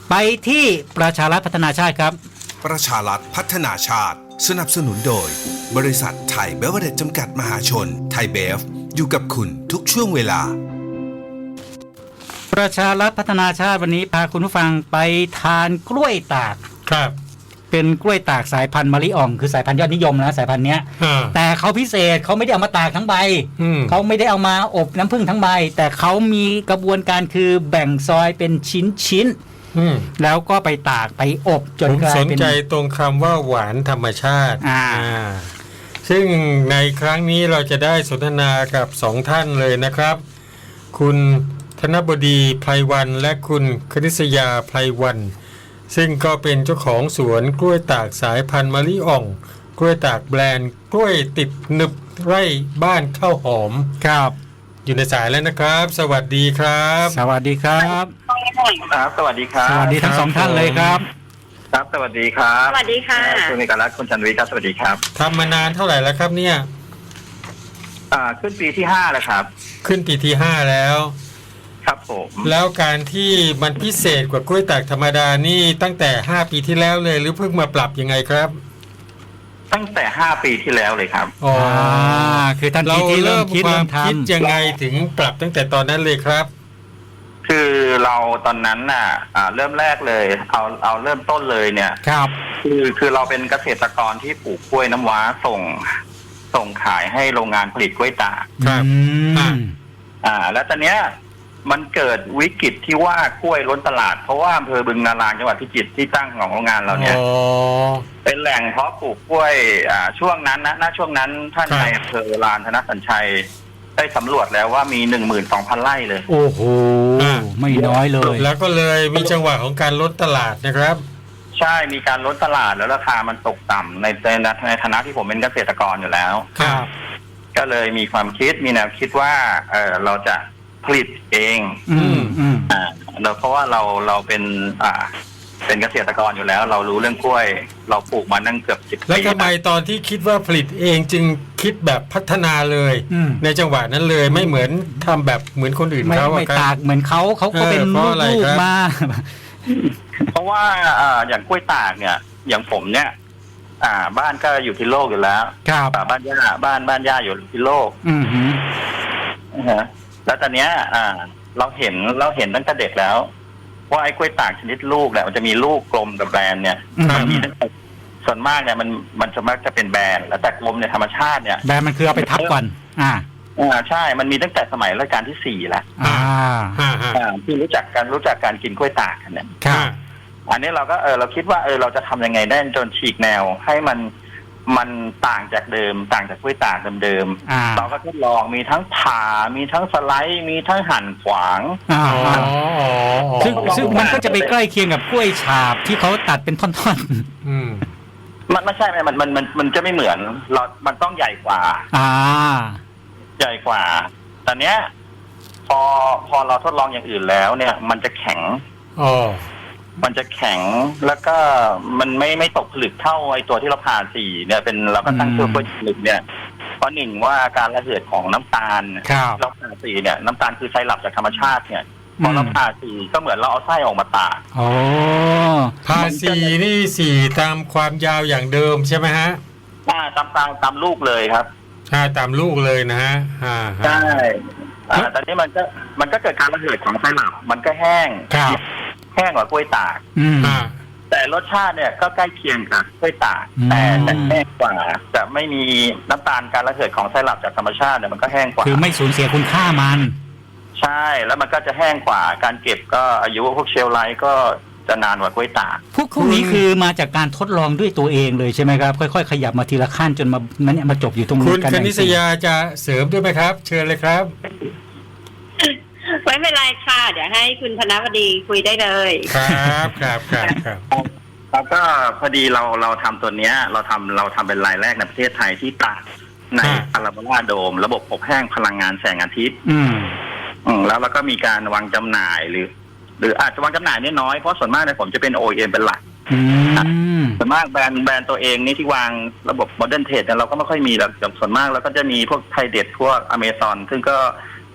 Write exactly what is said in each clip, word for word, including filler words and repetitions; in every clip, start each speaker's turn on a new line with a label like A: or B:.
A: ไปที่ประชารัฐพัฒนาชาติครับ
B: ประชารัฐพัฒนาชาติสนับสนุนโดยบริษัทไทยเบเวอเรจจำกัดมหาชนไทยเบฟอยู่กับคุณทุกช่วงเวลา
A: ประชารัฐพัฒนาชาติวันนี้พาคุณผู้ฟังไปทานกล้วยตาก
C: ครับ
A: เป็นกล้วยตากสายพันธุ์มะลิอ่องคือสายพันธุ์ยอดนิยมนะสายพันธุ์เนี้ยแต่เขาพิเศษเขาไม่ได้เอามาตากทั้งใบเขาไม่ได้เอามาอบน้ำผึ้งทั้งใบแต่เขามีกระบวนการคือแบ่งซอยเป็นชิ้นชิ้นแล้วก็ไปตากไปอบจนกลายเป็น
C: ผมสนใจตรงคำว่าหวานธรรมชาติซึ่งในครั้งนี้เราจะได้สนทนากับสองท่านเลยนะครับคุณธนบดีไพรวันและคุณคณิษยาไพรวันซึ่งก็เป็นเจ้าของสวนกล้วยตากสายพันธุ์มะลิอ่องกล้วยตากแบรนด์กล้วยติดหนึบไร่บ้านข้าวหอม
A: ครับ
C: อยู่ในสายแล้วนะครับสวัสดีครับ
A: สวัสดีครับ
D: ครับสวัสดีครับ
A: สวัสดีทั้งสองท่านเลยครับ
D: ครับสวัสดีครับ
E: สวัสดีค่ะ
D: คุณนิการัตน์คุณชันวิทย์ครับสวัสดีครับ
C: ทำมานานเท่าไหร่แล้วครับเนี่ย
D: อ่าขึ้นปีที่ห้าแล้วครับ
C: ขึ้นปีที่ห้าแล้ว
D: ครับผม
C: แล้วการที่มันพิเศษกว่ากล้วยตากธรรมดานี่ตั้งแต่ห้าปีที่แล้วเลยหรือเพิ่งมาปรับยังไงครับ
D: ตั้งแต่ห้าปีที่แล้วเลยครับ
C: อ๋อ
A: คือทันทีที่เริ่มคิด
C: ความคิดยังไงถึงปรับตั้งแต่ตอนนั้นเลยครับ
D: คือเราตอนนั้นน่ะอ่าเริ่มแรกเลยเอาเอาเริ่มต้นเลยเนี่ย
A: ครับ
D: คือคือเราเป็นเกษตรกรที่ปลูกกล้วยน้ำว้าส่งส่งขายให้โรงงานผลิตกล้วยตาก
C: ครับ
D: อ่าแล้วตอนเนี้ยมันเกิดวิกฤตที่ว่ากล้วยล้นตลาดเพราะว่าอำเภอบึงนารางจังหวัดพิจิตรที่ตั้งของโรงงานเราเนี่ยเป็นแหล่งเพาะปลูกกล้วยอ่าช่วงนั้นนะณช่วงนั้นท่านนายอำเภอลานธนสัญชัยได้สำรวจแล้วว่ามี หนึ่งหมื่นสองพัน ไร่เลย
A: โอ้โหไม่น้อยเลย
C: แล้วก็เลยมีจังหวะของการล้นตลาดนะครับ
D: ใช่มีการล้นตลาดแล้วราคามันตกต่ำในในในฐานะที่ผมเป็นเกษตรกรอยู่แล้ว
C: ครับ
D: ก็เลยมีความคิดมีแนวคิดว่าเออเราจะผลิตเอง
A: อืมอืม
D: อ่าเราเพราะว่าเราเราเป็นอ่าเป็นเกษตรกรอยู่แล้วเรารู้เรื่องกล้วยเราปลูกมานั่งเกือบสิบปี
C: แล้วทำไมตอนที่คิดว่าผลิตเองจึงคิดแบบพัฒนาเลยในจังหวะนั้นเลยไม่เหมือนทำแบบเหมือนคนอื่นเขา
A: ไม่ตากเหมือนเขาเขาก็เป็นลูกมา
D: เพราะว่าอ่าอย่างกล้วยตากเนี่ยอย่างผมเนี่ยอ่าบ้านก็อยู่ที่โลกอยู่แล้ว
A: ครับ
D: บ้านย่าบ้านบ้านย่าอยู่ที่โลก
A: อือฮึ
D: ฮะแล้วตอนเนี้ยอ่าเราเห็นเราเห็นตั้งแต่เด็กแล้วว่าไอ้กล้วยตากชนิดลูกเนี่ยมันจะมีลูกกลมกับแบนเนี่ยมันมีตั้งแต่ส่วนมากเนี่ยมันมันจะมักจะเป็นแบนแล้วแต่กลมเนี่ยธรรมชาติเนี่ย
A: แบนมันคือเอาไปทับก่อนอ่า
D: อ่าใช่มันมีตั้งแต่สมัยรัชกาลที่สี่แล้ว
A: อ่า
D: อ่าที่รู้จักกันรู้จักการกินกล้วยตากกันเนี่ย
A: ครับ
D: อันนี้เราก็เออเราคิดว่าเออเราจะทำยังไงได้จนฉีกแนวให้มันมันต่างจากเดิมต่างจากกล้วยตากเดิมๆเราก็ทดลองมีทั้งผ่ามีทั้งสไลด์มีทั้งหั่นขวาง
A: ซึ่งซึ่งมันก็จะไปใกล้เคียงกับกล้วยฉาบที่เขาตัดเป็นท่อนๆ
D: อืมมันไม่ใช่มันมันมันมันจะไม่เหมือนเรามันต้องใหญ่กว่า
A: อ่า
D: ใหญ่กว่าตอนเนี้ยพอพอเราทดลองอย่างอื่นแล้วเนี่ยมันจะแข็ง
C: อ๋อ
D: มันจะแข็งแล้วก็มันไม่ไม่ตกผลึกเท่าไอตัวที่เราผ่าสีเนี่ยเป็นเราก็ตั้งชื่อกล้วยผลึกเนี่ยเพราะหนึ่งว่าการระเหยของน้ำตาลเราผ่าสีเนี่ยน้ำตาลคือไซรัปจากธรรมชาติเนี่ยพอเราผ่าสีก็เหมือนเราเอาไส้ออกมาตาก
A: อ๋อ
C: ผ่าสีนี่สีตามความยาวอย่างเดิมใช่ไหมฮะ
D: อ่าตามตามตามลูกเลยครับ
C: อ่าตามลูกเลยนะฮะอ่า
D: ใช่อ่าตอนนี้มันก็มันก็เกิดการระเหยของไซรัปมันก็แห้งแห้งกว่ากล้วยตากแต่รสชาติเนี่ยก็ใกล้เคียงกับกล้วยตากแต่แต่แห้งกว่าจะไม่มีน้ำตาลการระเหยของไซรัปจากธรรมชาติเนี่ยมันก็แห้งกว่า
A: คือไม่สูญเสียคุณค่ามัน
D: ใช่แล้วมันก็จะแห้งกว่าการเก็บก็อายุพวกเชลไลท์ก็จะนานกว่ากล้วยตาก
A: พวกพวกนี้คือมาจากการทดลองด้วยตัวเองเลยใช่ไหมครับค่อยๆขยับมาทีละขั้นจนมานั้นเนี่ยมาจบอยู่ตรงนี้
C: คุณคณิษยาจะเสริมด้วยไหมครับเชิญเลยครับ
E: ไม่เป็นไรค่ะเดี๋ยวให้คุณธนวดีคุยได้เลย
C: ครับครับครับครับ
D: แล้วก็พอดีเราเราทำตัวเนี้ยเราทำเราทำเป็นรายแรกในประเทศไทยที่ตากในพาราโบลาโดมระบบอบแห้งพลังงานแสงอาทิตย์
A: อืม
D: อืมแล้วเราก็มีการวางจำหน่ายหรือหรืออาจจะวางจำหน่ายน้อยเพราะส่วนมากเนี่ยผมจะเป็น โอ อี เอ็ม เป็นหลักส่วนมากแบรนด์แบรนด์ตัวเองนี่ที่วางระบบโมเดิร์นเทรดเนี่ยเราก็ไม่ค่อยมีหรอกส่วนมากเราก็จะมีพวกไทยเด็ดพวกอเมซอนซึ่งก็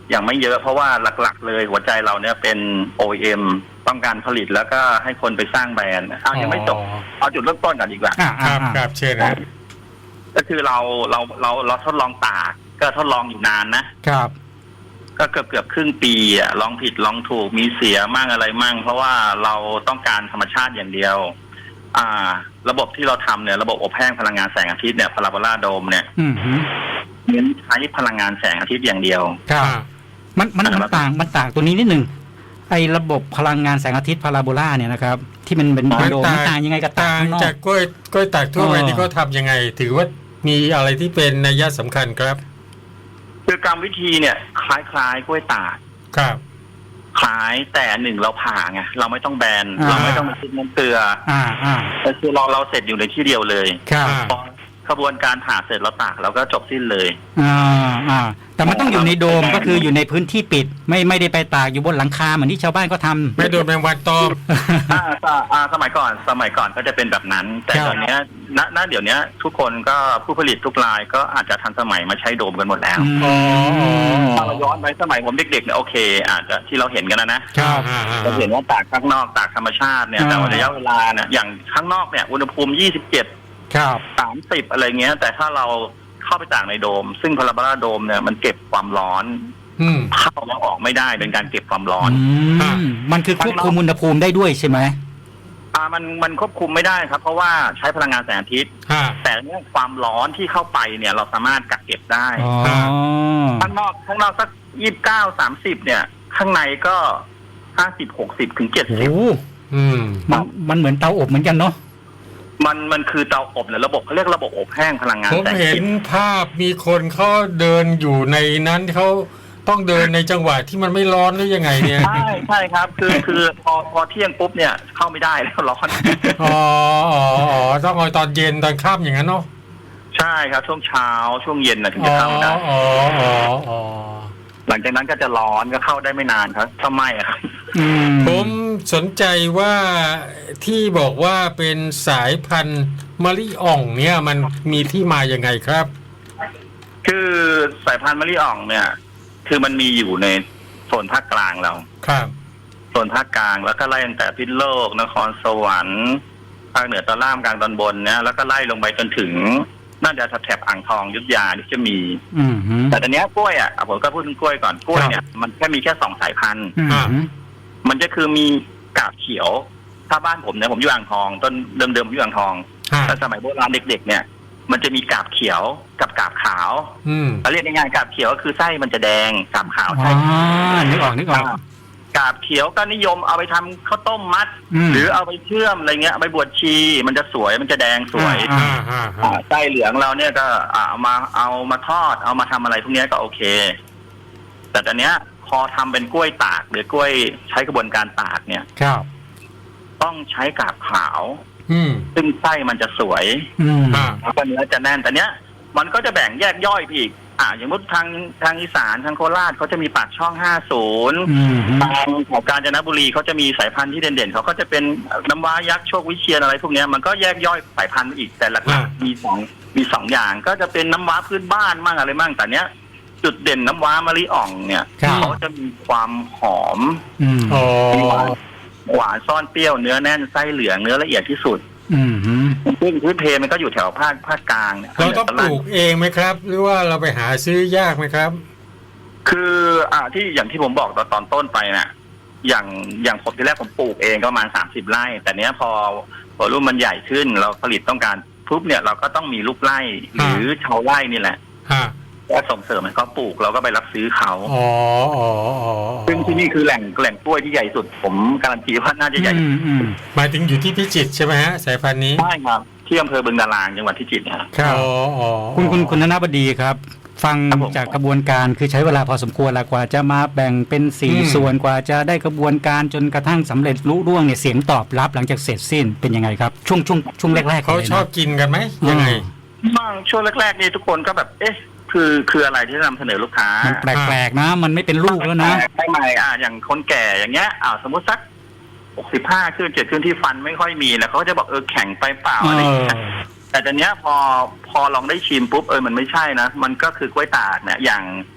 D: ยังไม่เยอะเพราะว่าหลักๆเลยหัวใจเราเนี่ยเป็น โอ อี เอ็ม ต้องการผลิตแล้วก็ให้คนไปสร้างแบรนด์เอายังไม่จบเอาจุดเริ่มต้นก่อนดีกว่า
C: ครับครับเชิญนะ
D: ก็คือเราเราเราเราทดลองตากก็ทดลองอยู่นานนะครับ ก็เกือบเกือบครึ่งปีอ่ะลองผิดลองถูกมีเสียมั่งอะไรมั่งเพราะว่าเราต้องการธรรมชาติอย่างเดียว อ่า ระบบที่เราทำเนี่ยระบบอบแห้งพลังงานแสงอาทิตย์เนี่ยพาราโบลาโดมเนี่ย
A: อืมฮึ
D: เน้นใช้พลังงานแสงอาทิตย์อย่างเดียว
A: ครับมันมันมันต่างมันต่างตัวนี้นิดหนึ่งไอ้ระบบพลังงานแสงอาทิตย์พาราโบลาเนี่ยนะครับที่มันเป็นโดมมันต่างยังไงกับตา
C: ต่าง
A: ข้างนอก
C: จากกล้วยกล้วยตากทั่วไปที่เขาทำยังไง ถือว่ามีอะไรที่เป็นนัยสำคัญครับ
D: คือกรรมวิธีเนี่ยคล้ายๆกล้วยตาก
C: ครับ
D: คล้ายแต่หนึ่งเราผ่าไงเราไม่ต้องแบน
A: อ่า
D: เราไม่ต้องไปคิดน้ำเกลือ
A: อ่าอ่า
D: แต่คือเราเราเสร็จอยู่ในที่เดียวเลย
A: ครับ
D: พอขบวนการผ่าเสร็จเราตากเราก็จบสิ้นเลย
A: อ่าอ่าแต่มันต้องอยู่ในโดมก็คืออยู่ในพื้นที่ปิด ไม่ไม่ได้ไปตากอยู่บนหลังคาเหมือนที่ชาวบ้านก็ทำ
C: ไม่โดนแมงวันตอม
D: อ่าอ่าอ่าสมัยก่อนสมัยก่อนก็จะเป็นแบบนั้น แต่
A: ครับ
D: ตอนเนี้ยณณเดี๋ยวนี้ทุกคนก็ผู้ผลิตทุกรายก็อาจจะทันสมัยมาใช้โดมกันหมดแล้ว
A: อืม
C: อ๋อ
D: ถ้าเราย้อนไปสมัยผมเด็กๆเนี่ยโอเค อาจจะที่เราเห็นกันนะนะครับ
C: อ่าอ่า
D: เราเห็นว่าตากข้างนอกตากธรรมชาติเนี่ย
A: อ่า
D: แต่ว่าระยะเวลาเนี่ยอย่างข้างนอกเนี่ยอุณหภูมิยี่สิบเจ็ด
A: ครับ
D: สามสิบอะไรเงี้ยแต่ถ้าเราเข้าไปตากในโดม ซึ่งพาราโบลาโดมเนี่ยมันเก็บความร้อน
C: อืม
D: เข้าแล้วออกไม่ได้เป็นการเก็บความร้อน
A: อืมมันคือควบคุมอุณหภูมิได้ด้วยใช่ไหม
D: อ่ามันมันควบคุมไม่ได้ครับ เพราะว่าใช้พลังงานแสงอาทิตย์
C: ฮะ
D: แต่เรื่องความร้อนที่เข้าไปเนี่ยเราสามารถกักเก็บได้
A: อ๋อ
D: ข้างนอกข้างนอกสักยี่สิบเก้าสามสิบเนี่ย ข้างในก็ห้าสิบหกสิบถึงเจ็ด
A: โอ้
D: สิบ
A: โห
C: อืม
A: มันมันเหมือนเตาอบเหมือนกันเนาะ
D: มันมันคือเตาอบเนี่ยระบบเขาเรียกระบบอบแห้งพลังงาน
C: ผม
D: แสงอา
C: เห็
D: ทิ
C: น
D: ตย์
C: ภาพมีคนเขาเดินอยู่ในนั้นเขาต้องเดินในจังหวะที่มันไม่ร้อนหรือยังไงเนี่ย
D: ใช่ใช่ครับ คือคือพอพอเที่ยงปุ๊บเนี่ยเข้าไม่ได้แล้วร้อน
C: อ๋ออ๋ออ๋อต้องเอาตอนเย็นตอนค่ำอย่างนั้นเนาะ
D: ใช่ครับช่วงเช้าช่วงเย็นนะถึง
C: อ๋
D: จะ
C: อ
D: เข้าได้
C: อ๋ออ๋ออ๋อ
D: หลังจากนั้นก็จะร้อนก็เข้าได้ไม่นานครับถ้าไม่อะครับ
A: อืม
C: ผมสนใจว่าที่บอกว่าเป็นสายพันธุ์มะลิอ่องเนี่ยมันมีที่มาอย่างไงครับ
D: คือสายพันธุ์มะลิอ่องเนี่ย คือมันมีอยู่ในโซนภาคกลางเรา
C: ครับ
D: โซนภาคกลางแล้วก็ไล่ตั้งแต่พิษณุโลกนครสวรรค์ภาคเหนือตอนล่างกลางตอนบนเนี่ยแล้วก็ไล่ลงไปจนถึงน่าจะแถบอ่างทองอยุธยาที่จะมี
A: อืมฮึ
D: แต่ตอนเนี้ยกล้วยอ่ะผมก็พูดถึงกล้วยก่อนกล้วยเนี่ยมันแค่มีแค่สองสายพันธุ์
A: อืมฮึ
D: มันจะคือมีกาบเขียว ถ้าบ้านผมเนี่ยผมอยู่อ่างทองต้นเดิมๆผมอยู่อ่างทอง
C: ฮะ
D: แต่สมัยโบราณเด็กๆเนี่ย มันจะมีกาบเขียวกับกาบขาว
C: อืม
D: เราเรียกง่ายๆกาบเขียวก็คือไส้มันจะแดงกาบขาว
A: อ๋
D: ไส้
A: อนึกออกนึกออก
D: กาบเขียวก็นิยมเอาไปทำข้าวต้มมัด
A: อืม
D: หรือเอาไปเชื่อมอะไรเงี้ยเอาไปบวชชีมันจะสวยมันจะแดงสวย
A: อ่า
C: อ่าฮะ
D: อ่า
C: ฮะ
D: ไส้เหลืองเราเนี่ยก็อ่าเอามาเอามาทอดเอามาทำอะไรพวกเนี้ยก็โอเค แต่ตอนเนี้ยพอทำเป็นกล้วยตากหรือกล้วยใช้กระบวนการตากเนี่ย
A: ครับ
D: ต้องใช้กาบขาว
C: อืม
D: ซึ่งไส้มันจะสวย
A: อืม
C: อ่า
D: แล้วก็เนื้อจะแน่นแต่เนี้ยมันก็จะแบ่งแยกย่อยไปอีกอ่าอย่างมุดทางทางอีสานทางโคราชเขาจะมีปากช่องห้าสิบ
A: อืมฮึ
D: ทางของกาญจนบุรีเขาจะมีสายพันธุ์ที่เด่นๆเขาก็จะเป็นน้ำว้ายักษ์โชควิเชียนอะไรพวกเนี้ยมันก็แยกย่อยสายพันธุ์อีกแต่หลักๆมีสองมีสองอย่างก็จะเป็นน้ำว้าพื้นบ้านมั่งอะไรมั่งแต่เนี้ยจุดเด่นน้ำว้ามะลิอ่องเนี่ย
A: ครับ
D: เขาจะมีความหอม
A: อืม
C: อ๋อ
D: หวานหวานซ่อนเปรี้ยวเนื้อแน่นไส้เหลืองเนื้อละเอียดที่สุด
A: อืมฮึ
D: ซึ่งพื้นเพมันก็อยู่แถวภาคภาคกลางเนี่ย
C: เราต้องปลูกเองไหมครับ หรือว่าเราไปหาซื้อยากไหมครับ
D: คืออ่าที่อย่างที่ผมบอกตอนตอนต้นไปน่ะ อย่างอย่างผมที่แรกผมปลูกเองก็ประมาณสามสิบไร่ แต่เนี้ยพอพอรุ่นมันใหญ่ขึ้น เราผลิตต้องการปุ๊บเนี่ยเราก็ต้องมีลูกไร่หรือชาวไร่นี่แหละ
C: ฮะ
D: ก็ส่งเสริมให้เขาปลูกเราก็ไปรับซื้อเขา
C: อ๋ออ๋ออ๋อ
D: ซึ่งที่นี่คือแหล่งแหล่งกล้วยที่ใหญ่สุด ผมการันตีว่าน่าจะใหญ่
A: อืมอืม
C: หมายถึงอยู่ที่พิจิตรใช่ไหมฮะสายพันธุ์นี้
D: ใช่ครับที่อำเภอบึงดารางจังหวัดพิจิตรนะครับ
A: ครับ
C: อ๋ออ๋อ
A: คุณคุณคุณธนบดีครับ ฟัง
D: ครับผม
A: จากกระบวนการคือใช้เวลาพอสมควรแล้วกว่าจะมาแบ่งเป็นสี่ส่วนกว่าจะได้กระบวนการจนกระทั่งสำเร็จลุล่วงเนี่ยเสียงตอบรับหลังจากเสร็จสิ้นเป็นยังไงครับ ช่วงช่วงช่วงแรกๆ
C: เขา
A: ลยนะ
C: ชอบกินกันไหมยังไง
D: บ้างช่วงแรกๆนี่ทุกคนก็แบบเอ๊ะคือคืออะไรที่จะนำเสนอลูกค้า
A: มันแปลกๆนะ มันไม่เป็นลูกแล้วนะ
D: ใช่ไหมอ่าอย่างคนแก่อย่างเงี้ยอ่าสมมติสักหกสิบห้าขึ้นเจ็ดขึ้นที่ฟันไม่ค่อยมีแล้วเขาก็จะบอกเออแข็งไปเปล่า
A: เอ
D: อะไรอย่าง
A: อ
D: เงี้ยแต่ตอนเนี้ยพอพอลองได้ชิมปุ๊บเออมันไม่ใช่นะมันก็คือกล้วยตากเนี่ยอย่าง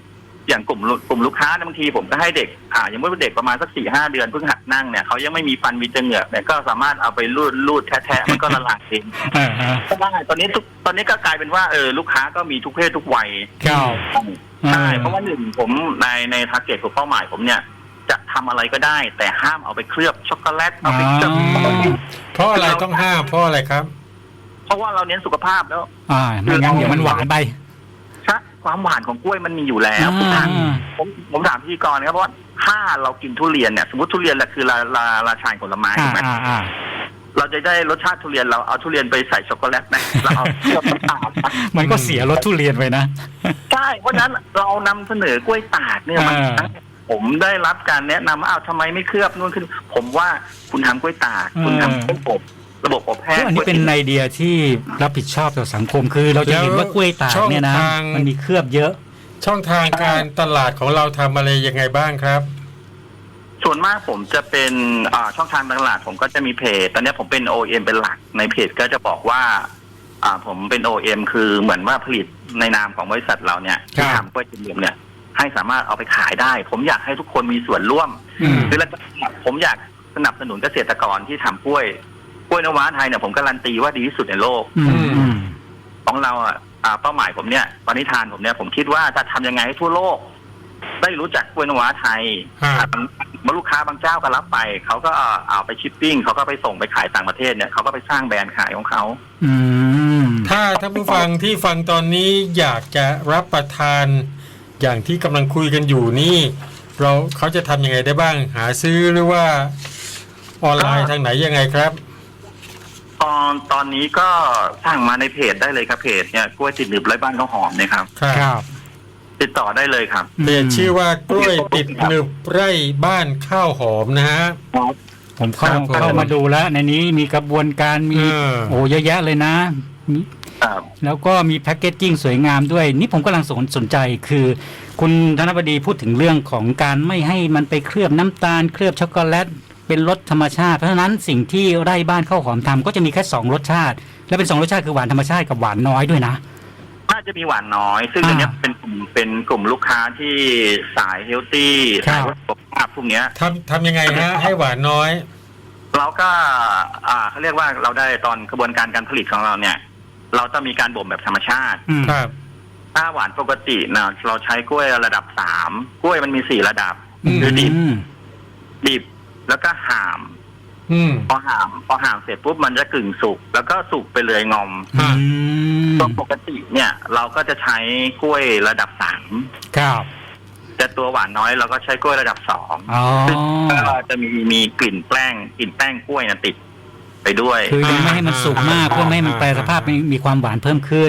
D: อย่างกลุ่มกลุ่มลูกค้าบางทีผมก็ให้เด็กอ่าอย่างเมื่อเด็กประมาณสักสี่ห้าเดือนเพิ่งหัดนั่งเนี่ยเขายังไม่มีฟันมีเหงือกเนี่ยก็สามารถเอาไปรูดรูดแทะๆมันก็ละลายเองก็ได้ตอนนี้ทุกตอนนี้ก็กลายเป็นว่าเออลูกค้าก็มีทุกเพศทุกวัยใช่เพราะว่าหนึ่งผมในในทาร์เก็ตของเป้าหมายผมเนี่ยจะทำอะไรก็ได้แต่ห้ามเอาไปเคลือบช็อกโกแลตเอาไปเคลือบ
C: เพราะอะไรต้องห้ามเพราะอะไรครับ
D: เพราะว่าเราเน้นสุขภาพแล้ว
A: อ่าไม่งั้นเดี๋ยวมันหวานไป
D: ใช่ความหวานของกล้วยมันมีอยู่แล้วผมผมถามพิธีกรนะครับเพราะว่าถ้าเรากินทุเรียนเนี่ยสมมติทุเรียนแหละคือราราราชาผลไม้ถูกไหมเราจะได้รสชาติทุเรียนเราเอาทุเรียนไปใส่ช็อกโกแลตไหมเราเอาเคลือบน้ำตาล
A: มันก็เสียรสทุเรียนไปนะ
D: ใช่เพราะฉะนั้นเรานำเสนอกล้วยตากเนี่ยมันผมได้รับการแนะนำว่าอ้าวทำไมไม่เคลือบนู่นขึ้นผมว่าคุณทำกล้วยตากคุณทำกล้วยอบระบบอบแห้ง
A: อันนี้เป็นไอเดียที่รับผิดชอบต่อสังคมคือเราจะเห็นว่ากล้วยตากเนี่ยนะมันมีเคลือบเยอะ
C: ช่องทางการตลาดของเราทำอะไรยังไงบ้างครับ
D: ส่วนมากผมจะเป็นช่องทางตลาดผมก็จะมีเพจตอนนี้ผมเป็น โอ เอ็ม เป็นหลักในเพจก็จะบอกว่าผมเป็น โอ เอ็ม คือเหมือนว่าผลิตในนามของบริษัทเราเนี่ยที่ทำกล้วยจิ๋วเนี่ยให้สามารถเอาไปขายได้ผมอยากให้ทุกคนมีส่วนร่วมคือแล้วผมอยากสนับสนุนเกษตรกรที่ทำกล้วยกล้วยน้ำว้าไทยเนี่ยผมการันตีว่าดีที่สุดในโลกของเราอ่ะเป้าหมายผมเนี่ยปณิธานผมเนี่ยผมคิดว่าจะทำยังไงให้ทั่วโลกได้รู้จักกล้วยน้ำว้าไทยเมื่อลูกค้าบางเจ้าก็รับไปเขาก็เอาไปชิปปิ้งเขาก็ไปส่งไปขายต่างประเทศเนี่ยเขาก็ไปสร้างแบรนด์ขายของเขา
C: ถ้าท่านผู้ฟังที่ฟังตอนนี้อยากจะรับประทานอย่างที่กำลังคุยกันอยู่นี่เราเขาจะทำยังไงได้บ้างหาซื้อหรือว่าออนไลน์ทางไหนยังไงครับ
D: ตอนตอนนี้ก็สั่งมาในเพจได้เลยครับเพจเนี่ยกล้วยติดหนึบไร้บ้านข้าวหอมเนี่ยครับ
C: ครับ
D: ติดต่อได้เลยครับ
C: เพจชื่อว่ากล้วยติดหนึบไร้บ้านข้าวหอมนะฮะ
A: ผมเข้าเข้ามาดูแล้วในนี้มีกระบวนการมีโอ้เยอะแยะเลยนะแล้วก็มีแพ็กเกจจิ้งสวยงามด้วยนี่ผมกำลังสนสนใจคือคุณธนบดีพูดถึงเรื่องของการไม่ให้มันไปเคลือบน้ำตาลเคลือบช็อกโกแลตเป็นรสธรรมชาติเพราะฉะนั้นสิ่งที่ไร่บ้านข้าวหอมทำก็จะมีแค่สองรสชาติและเป็นสองรสชาติคือหวานธรรมชาติกับหวานน้อยด้วยนะ
D: น่าจะมีหวานน้อยซึ่งอันนี้เป็นกลุ่มเป็นกลุ่มลูกค้าที่สายเฮลตี้สายสุขภาพพวกนี้
C: ทำทำยังไงฮะให้หวานน้อย
D: เราก็อ่าเขาเรียกว่าเราได้ตอนกระบวนการการผลิตของเราเนี่ยเราจะมีการบ่มแบบธรรมชาติ
C: ครับ
D: ถ้าหวานปกตินะเราใช้กล้วยระดับสามกล้วยมันมีสี่ระดับคือดิบดิบแล้วก็ห่ามพอห่ามพอห่ามเสร็จปุ๊บมันจะกึ่งสุกแล้วก็สุกไปเลยงอมตัวปกติเนี่ยเราก็จะใช้กล้วยระดับสาม
A: ครับ
D: แต่ตัวหวานน้อยเราก็ใช้กล้วยระดับสองซึ่งก็จะมีมีกลิ่นแป้งกลิ่นแป้งกล้วยนะติดไปด้วย
A: คือยังไม่ให้มันสุกมากเพื่อไม่ให้มันแปรสภาพมีความหวานเพิ่มขึ้น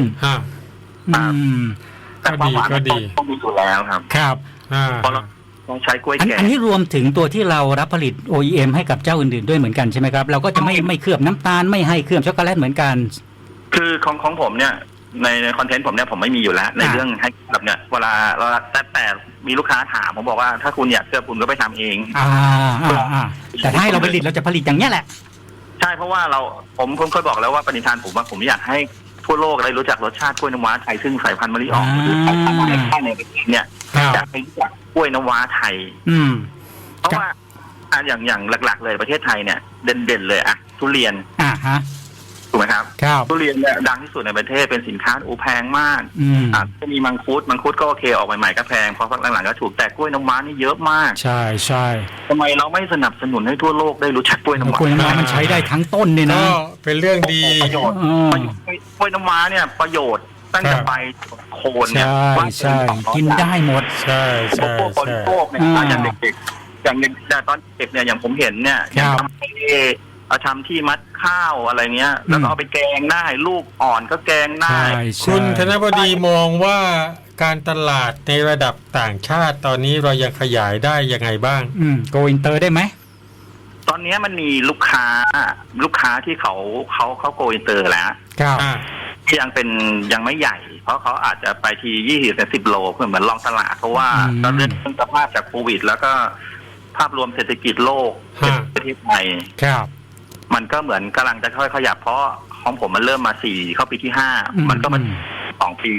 D: แต่ความหวานก็ดีต้องมีอยู่แล้วครับ
A: ครับ
D: เพราะเราต้องใช้กล้วยแก่
A: อันนี้รวมถึงตัวที่เรารับผลิต โอ อี เอ็ม ให้กับเจ้าอื่นๆด้วยเหมือนกันใช่ไหมครับเราก็จะไม่ไม่เคลือบน้ำตาลไม่ให้เคลือบช็อกโกแลตเหมือนกัน
D: คือของของผมเนี่ยในในคอนเทนต์ผมเนี่ยผมไม่มีอยู่แล้วในเรื่องให้แบบเนี่ยเวลาเราแต่แต่มีลูกค้าถามผมบอกว่าถ้าคุณอยากเคลือบคุณก็ไปทำเอง
A: อ่าอ่าแต่ถ้าให้เราผลิตเราจะผลิตอย่างนี้แหละ
D: ใช่เพราะว่าเราผมผมเคยบอกแล้วว่าปณิธานผมว่าผมอยากให้ทั่วโลกได้รู้จักรสชาติกล้วยน้ำว้าไทยซึ่งสายพันธุ์มะลิอ่องหรือสายพันธุ์ในค่ายในประเทศเนี่ยอยากให้รู้จักกล้วยน้ำว้าไทยเพราะว่าอย่างอย่างหลักๆเลยประเทศไทยเนี่ยเด่นๆเลยอะทุเรียน
A: อ่าฮะ
D: ถูกไหมครับทุเรียนเนี่ยดังที่สุดในประเทศเป็นสินค้าโอแพงมากอ่าจะมีมังคุดมังคุดก็โอเคออกใหม่ๆก็แพงพอพักหลังๆก็ถูกแต่กล้วยน้ำว้านี่เยอะมาก
A: ใช่ใช่
D: ทำไมเราไม่สนับสนุนให้ทั่วโลกได้รู้จักกล้วยน้ำว้าก
A: ล้วยน้ำว้ามันใช้ได้ทั้งต้นเลยนะ
C: เป็นเรื่องดี
D: ประโยชน์กล้วยน้ำว้าเนี่ยประโยชน์ตั้งแต่ใบโคนเนี่ย
A: ใช่กินได้หมด
C: ใช่ใช่
D: ใช่อย่างเด็กๆอย่างแต่ตอนเด็กเนี่ยอย่างผมเห็นเนี่ยอย่างทำเอาทำที่มัดข้าวอะไรเงี้ยแล้วก็เอาไปแกงได้ลูกอ่อนก็แกงได้
C: คุณธนบดีมองว่าการตลาดในระดับต่างชาติตอนนี้เรายังขยายได้ยังไงบ้าง
A: อืมโกอินเตอร์ได้ไหม
D: ตอนนี้มันมีลูกค้าลูกค้าที่เขาเขาเขาโกอินเตอร์แล้ว
A: ครับ
D: ที่ยังเป็นยังไม่ใหญ่เพราะเขาอาจจะไปทียี่สิบถึงสิบโลเพื่อเหมือนลองตลาดเพราะว่าตอนเรื่องสภาพจากโควิดแล้วก็ภาพรวมเศรษฐกิจโลกประเทศไทย
A: ครับ
D: มันก็เหมือนกำลังจะค่อยขยับเพราะของผมมันเริ่มมาสี่เข้าปีที่ห้ามันก็มันสองปี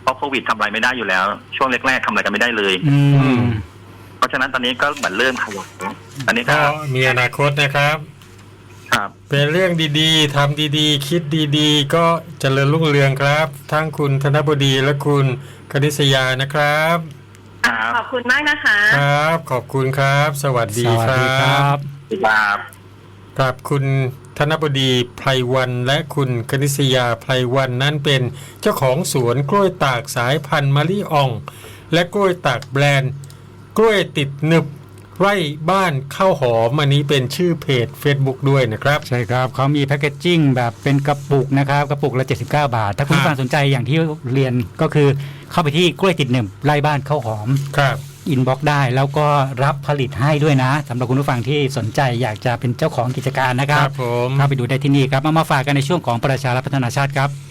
D: ราะโควิดทำอะไรไม่ได้อยู่แล้ว ช่วงแรกๆทำอะไรกันไม่ได้เลย
A: อืม
D: เพราะฉะนั้นตอนนี้ก็เหมือนเริ่มขยับอันนี้ก็
C: ก็มีอนาคตนะครับ
D: ครับ
C: เป็นเรื่องดีๆทำดีๆ คิดดีๆ ก็เจริญรุ่งเรืองครับ ทั้งคุณธนบดีและคุณคณิษยานะครับ
D: ครับ
E: ขอบคุณมากนะคะ
C: ครับ ขอบคุณครับ สวัสดี
A: สวัส
C: ค
A: ดีค
C: รั
A: รับ บ
D: ครับ
C: ครับคุณธนบดีไพรวันและคุณคณิษยาไพรวันนั้นเป็นเจ้าของสวนกล้วยตากสายพันธุ์มะลิอ่อง และกล้วยตากแบรนด์ กล้วยติดหนึบไร่บ้านข้าวหอมอันนี้เป็นชื่อเพจ Facebook ด้วยนะครับ
A: ใช่ครับเขามีแพคเกจจิ้งแบบเป็นกระปุกนะครับกระปุกละเจ็ดสิบเก้าบาท ถ้าคุณ
C: ครับ
A: ผู้ฟังสนใจอย่างที่เรียนก็คือเข้าไปที่กล้วยติดหนึ่งไร่บ้านข้าวหอม
C: ครับ
A: อินบ็อกซ์ได้แล้วก็รับผลิตให้ด้วยนะสำหรับคุณผู้ฟังที่สนใจอยากจะเป็นเจ้าของกิจการนะค
C: ค
A: รั
C: รั
A: บบ
C: ผม
A: เข้าไปดูได้ที่นี่ครับเอามาฝากกันในช่วงของประชารัฐพัฒนาชาติครับ